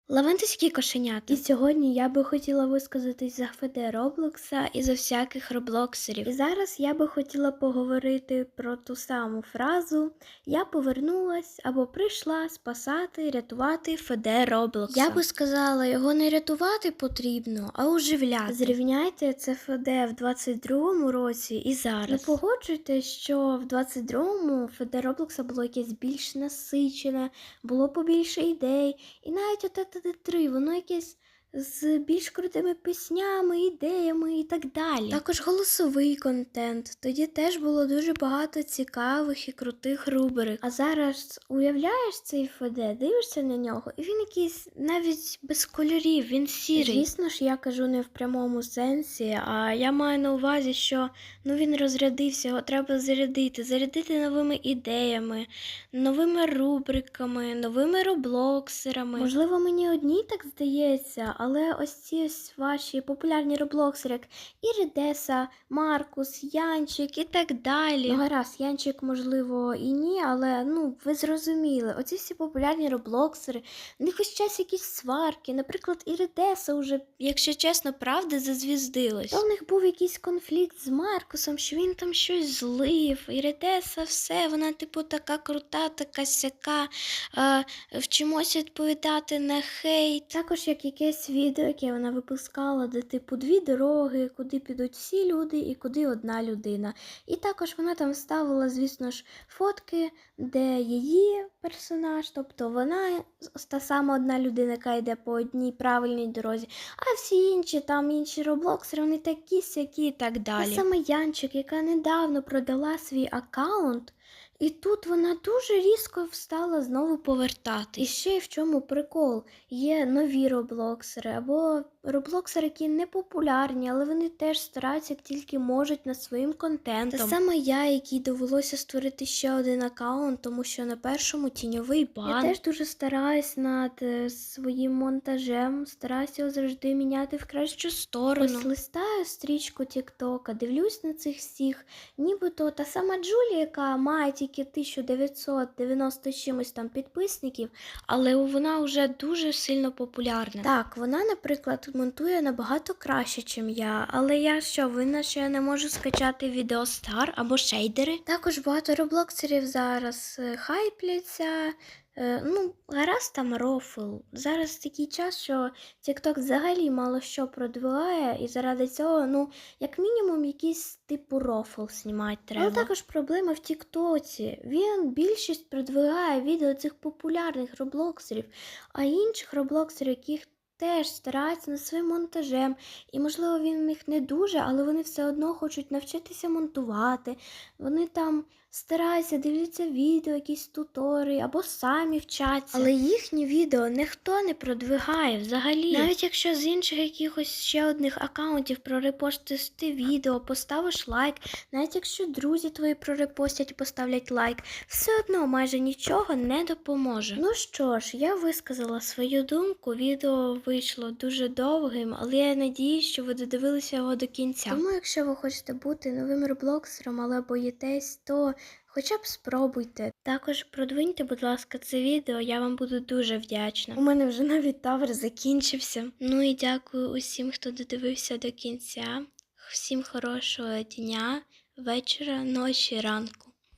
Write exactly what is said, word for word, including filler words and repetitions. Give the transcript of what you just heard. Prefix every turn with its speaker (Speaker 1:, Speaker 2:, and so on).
Speaker 1: Лавентиські кошенята. І сьогодні я би хотіла висказатись за еф де Роблокса і за всяких роблоксерів. І зараз я би хотіла поговорити про ту саму фразу «Я повернулась або прийшла спасати, рятувати еф де Роблокса». Я би сказала, його не рятувати потрібно, а оживляти. Зрівняйте це еф де в двадцять другому році і зараз. Не погоджуйтесь, що в двадцять другому еф де Роблокса було якесь більш насичене, було побільше ідей, і навіть оте три, воно якесь з більш крутими піснями, ідеями і так далі. Також голосовий контент. Тоді теж було дуже багато цікавих і крутих рубрик. А зараз уявляєш цей еф де, дивишся на нього, і він якийсь навіть без кольорів, він сірий. Звісно ж, я кажу не в прямому сенсі, а я маю на увазі, що ну він розрядився, його треба зарядити. Зарядити новими ідеями, новими рубриками, новими роблоксерами. Можливо, мені одній так здається, але ось ці ось ваші популярні роблоксери, як Іридеса, Маркус, Янчик і так далі. Ну гаразд, Янчик, можливо, і ні, але ну ви зрозуміли. Оці всі популярні роблоксери, в них ось час якісь сварки. Наприклад, Іридеса уже, якщо чесно, правда, зазвіздилась. То в них був якийсь конфлікт з Маркусом, що він там щось злив. Іридеса все, вона типу така крута, така сяка, е, вчимося відповідати на хейт. Також як якесь відео, яке вона випускала, де типу дві дороги, куди підуть всі люди і куди одна людина. І також вона там ставила, звісно ж, фотки, де її персонаж, тобто вона та сама одна людина, яка йде по одній правильній дорозі, а всі інші, там інші роблоксери, вони такі сякі і так далі. Та саме Янчик, яка недавно продала свій аккаунт, і тут вона дуже різко встала знову повертати. І ще й в чому прикол. Є нові роблоксери, або роблоксери, які не популярні, але вони теж стараються, як тільки можуть, над своїм контентом. Та саме я, якій довелося створити ще один аккаунт, тому що на першому тіньовий бан. Я теж дуже стараюсь над е, своїм монтажем, стараюся його завжди міняти в кращу сторону. Ось листаю стрічку Тіктока, дивлюсь на цих всіх, нібито та сама Джулія, яка має тільки тисяча дев'ятсот дев'яносто чимось там підписників, але вона вже дуже сильно популярна. Так, вона, наприклад, монтує набагато краще, ніж я, але я що, винна, що я не можу скачати відеостар або шейдери? Також багато роблоксерів зараз е, хайпляться. Е, ну, гаразд там рофл. Зараз такий час, що TikTok взагалі мало що продвигає, і заради цього, ну, як мінімум, якийсь типу рофл знімати треба. Але також проблема в TikTok. Він більшість продвигає відео цих популярних роблоксерів, а інших роблоксерів, яких теж стараються над своїм монтажем. І, можливо, він в них не дуже, але вони все одно хочуть навчитися монтувати. Вони там стараються, дивляться відео, якісь тутори, або самі вчаться. Але їхні відео ніхто не продвигає взагалі. Навіть якщо з інших якихось ще одних аккаунтів прорепостиш ти відео, поставиш лайк, навіть якщо друзі твої прорепостять і поставлять лайк, все одно майже нічого не допоможе. Ну що ж, я висказала свою думку, відео вийшло дуже довгим, але я надіюсь, що ви додивилися його до кінця. Тому якщо ви хочете бути новим роблоксером, але боїтесь, то хоча б спробуйте. Також продвиньте, будь ласка, це відео, я вам буду дуже вдячна. У мене вже навіть тавер закінчився. Ну і дякую усім, хто додивився до кінця. Всім хорошого дня, вечора, ночі, ранку.